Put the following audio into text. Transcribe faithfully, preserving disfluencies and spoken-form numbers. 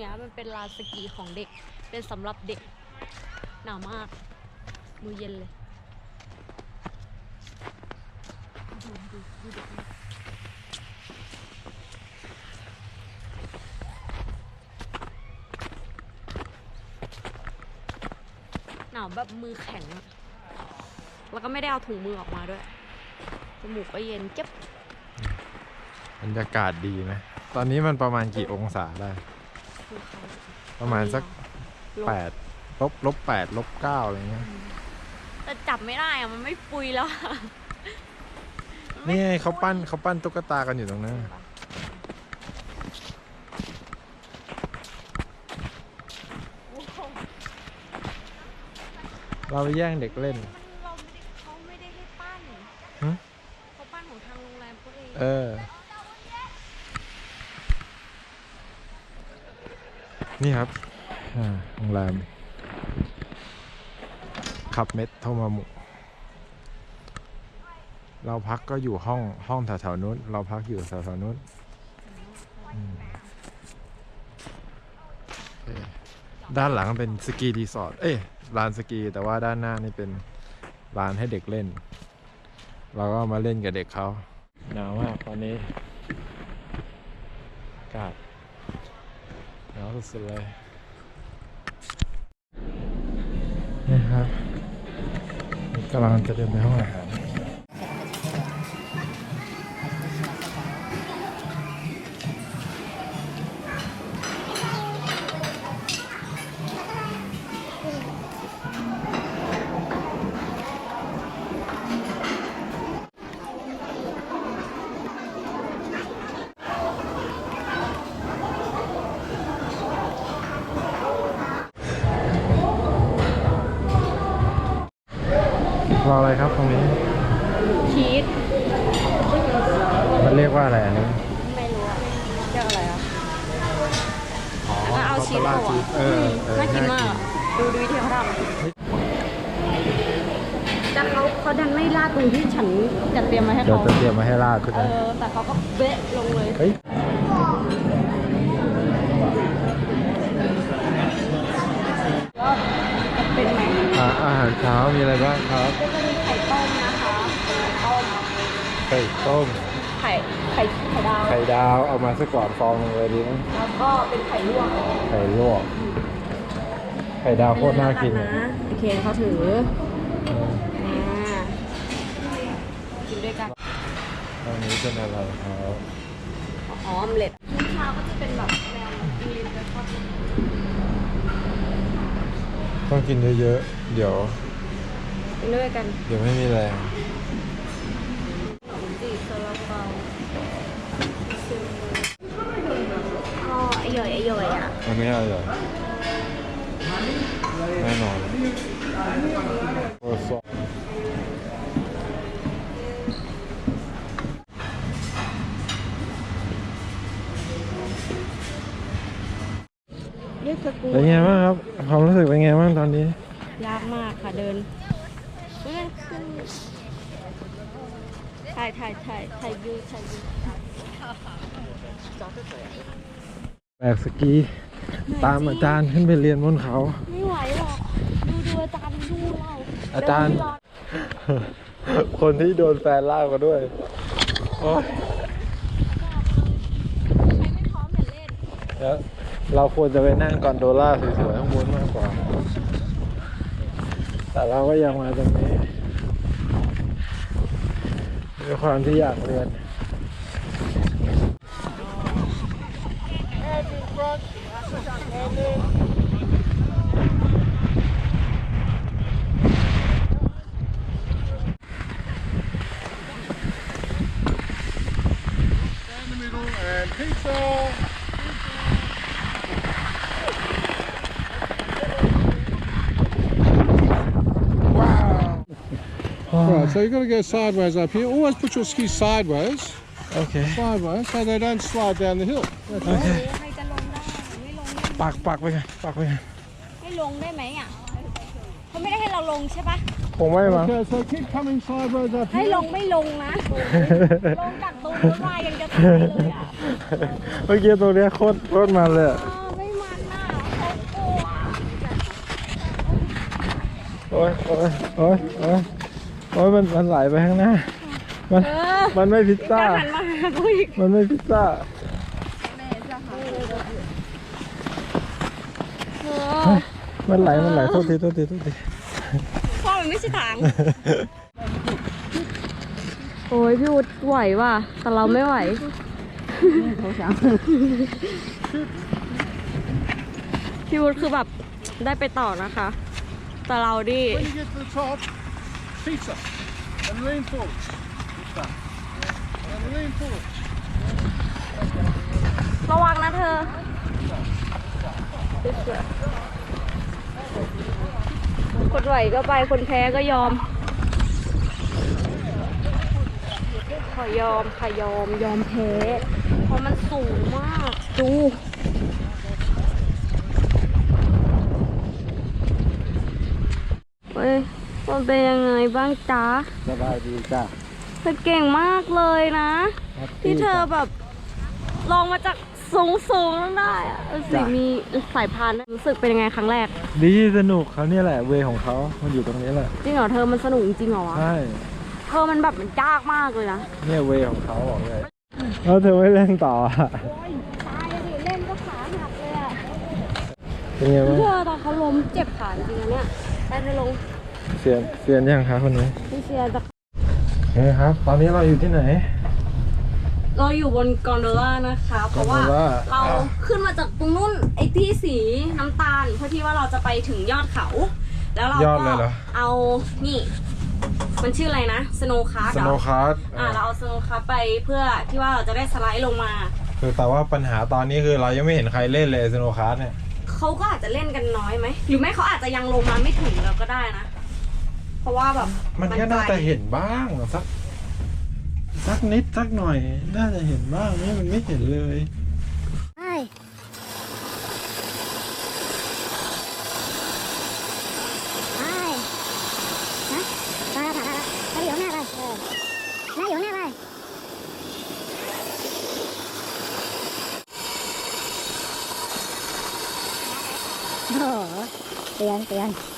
นี้ยมันเป็นลานสกีของเด็กเป็นสำหรับเด็กหนาวมากมือเย็นเลยดูดูดูเด็กหนาวแบบมือแข็งอะแล้วก็ไม่ได้เอาถุงมือออกมาด้วยจมูกก็เย็นเจ็บบรรยากาศดีไหมตอนนี้มันประมาณกี่องศาได้ประมาณสักแปดลบลบแปดลบเก้าอะไรเงี้ยแต่จับไม่ได้อะมันไม่ปุยแล้วนี่ไงเขาปั้นเขาปั้นตุ๊กตากันอยู่ตรงนั้นเราไปแย่งเด็กเล่นเราไม่ได้เขาไม่ได้ให้ปั้นเขาปั้นของทางโรงแรมเขาเองเออนี่ครับโรงแรมขับเม็ดโทมามุเราพักก็อยู่ห้องห้องแถวๆนู้นเราพักอยู่แถวๆนู้นด้านหลังเป็นสกีรีสอร์ทเอ้ยลานสกีแต่ว่าด้านหน้านี่เป็นลานให้เด็กเล่นเราก็มาเล่นกับเด็กเขาหนาวมากตอนนี้อากาศหนาวสุดๆเลยนี่ครับกำลังจะเดินไปห้องอาหารรออะไรครับตรงนี้ชีสมันเรียกว่าอะไรอันนี้ไม่รู้อะเรียกอะไรอ่ะอ๋อเอาชีสโรลอ่ะเออน่ากินมากดูดูวิธีเขาทำแต่เขาเขาดันไม่ราดตรงที่ฉันจัดเตรียมมาให้เขาเดี๋ยวจะเตรียมมาให้ราดคุณเออแต่เขาก็เบะลงเลยเฮ้ยก็จะเป็นไหมอาหารเช้ามีอะไรบ้างครับก็จะมีไข่ต้มนะคะไข่ต้มไข่ต้มไข่ไข่ไข่ดาวไข่ดาวเอามาสักก่อนฟองเลยดีไหมแล้วก็เป็นไข่ลวกไข่ลวกไข่ดาวโคตรน่ากินนะโอเคเขาถือกินด้วยกันตอนนี้เป็นอะไรครับอ๋อออมเล็ตมื้อเช้าก็จะเป็นแบบแนวอิงลิชเบรคฟาสต์ต้องกินเยอะๆเดี๋ยวกินด้วยกันเดี๋ยวไม่มีแรงขนมจีบซาลาเปาอ๋ออร่อยอร่อยอ่ะมันไม่อร่อยแน่นอนโอ้สเป็นไงบ้างครับความรู้สึกเป็นไงบ้างตอนนี้ยากมากค่ะเดินเมื่อขึ้นถ่ายถ่ายถ่ายถ่ายวิวถ่ายวิวแบกสกีตามอาจารย์ขึ้นไปเรียนบนเขาไม่ไหวหรอกดูดูอาจารย์ดูเราอาจารย์คนที่โดนแฟนลากมาด้วยโอ้ยไม่พร้อมอย่าเล่นแล้วเราควรจะไปนั่งกอนโดล่าสวยๆข้างบนมากกว่าแต่เราก็ยังมาตรงนี้ด้วยความที่อยากเรียน Right, so you've got to go sideways up here. Always put your skis sideways. Okay. Sideways, so they don't slide down the hill. That's okay. ให้จะลงได้ไม่ลงได้ปักปักไปกันปักไปกันให้ลงได้ไหมอ่ะเขาไม่ได้ให้เราลงใช่ปะคงไม่มั้ง Okay, so keep coming sideways up ให้ here. ลงไม่ลงนะลงจากตรงรถไฟยังจะตายเลยอ่ะเมื่อกี้ตรงเนี้ยโคตรโคตรมันเลยไม่มันโอ้ยโอ้ยโอ้ยโอ้ยโอ้ยมันมันไหลไปข้างหน้า มันเออมันไม่พิซซ่าหันมาหากูอีกมันไม่พิซซ่าเออมันไหล มันไหล โทษที โทษที โทษทีพ่อมันไม่ใช่ทาง โอ้ยพี่วุฒิไหวว่ะ แต่เราไม่ไหว พี่วุฒิคือแบบได้ไปต่อนะคะ แต่เราดิ When you get to the top, feet up and lean forward. Like that. And lean forward. ระวังนะเธอ คนไหวก็ไป คนแพ้ก็ยอม ขอยอมค่ะยอม ยอมแพ้ เพราะมันสูงมาก ดู เฮ้ย มันเป็นยังไงบ้างจ๊ะสบายดีจ้ะเธอเก่งมากเลยนะ ที่เธอแบบลองมาจากสูงสูงๆได้อะเออสิมีสายพานรู้สึกเป็นยังไงครั้งแรกดีสนุกเขาเนี่ยแหละ เวของเขา มันอยู่ตรงนี้แหละจริงเหรอเธอมันสนุกจริงเหรอวะใช่เธอมันแบบมันยากมากเลยนะเนี่ยเวของเขาบอกเลย แล้วเธอไม่เล่นต่ออะตายดิเล่นก็ขาหักเลยอะเป็นไงบ้างเธอตอนเขาล้มเจ็บขาจริงๆนะเนี่ยได้เธอลงเซียนเซียนยังคะคนนี้พี่เชียร์จะเฮ้ยครับ ตอนนี้เราอยู่ที่ไหนเราอยู่บนกอนโดล่านะคะ เพราะว่า gondola เราขึ้นมาจากตรงนู้นไอ้ที่สีน้ำตาลเพื่อที่ว่าเราจะไปถึงยอดเขา แล้วเรายอดก็เลยเหรอเอานี่ มันชื่ออะไรนะสโนว์คาร์สโนว์คาร์ดอ่าเราเอาสโนว์คาร์ไปเพื่อที่ว่าเราจะได้สไลด์ลงมาคือแต่ว่าปัญหาตอนนี้คือเรายังไม่เห็นใครเล่นเลยสโนว์คาร์ดเนี่ยเขาก็อาจจะเล่นกันน้อยไหม หรือไม่เขาอาจจะยังลงมาไม่ถึงเราก็ได้นะ เพราะว่าแบบมันก็น่าจะเห็นบ้างสักสักนิดสักหน่อย น่าจะเห็นบ้างนี่มันไม่เห็นเลยใช่ไปนะไปแล้วผ่านแล้วแล้วอยู่ข้างหน้าไปเออแล้วอยู่ข้างหน้าไปโอ้โหเตือนเตือน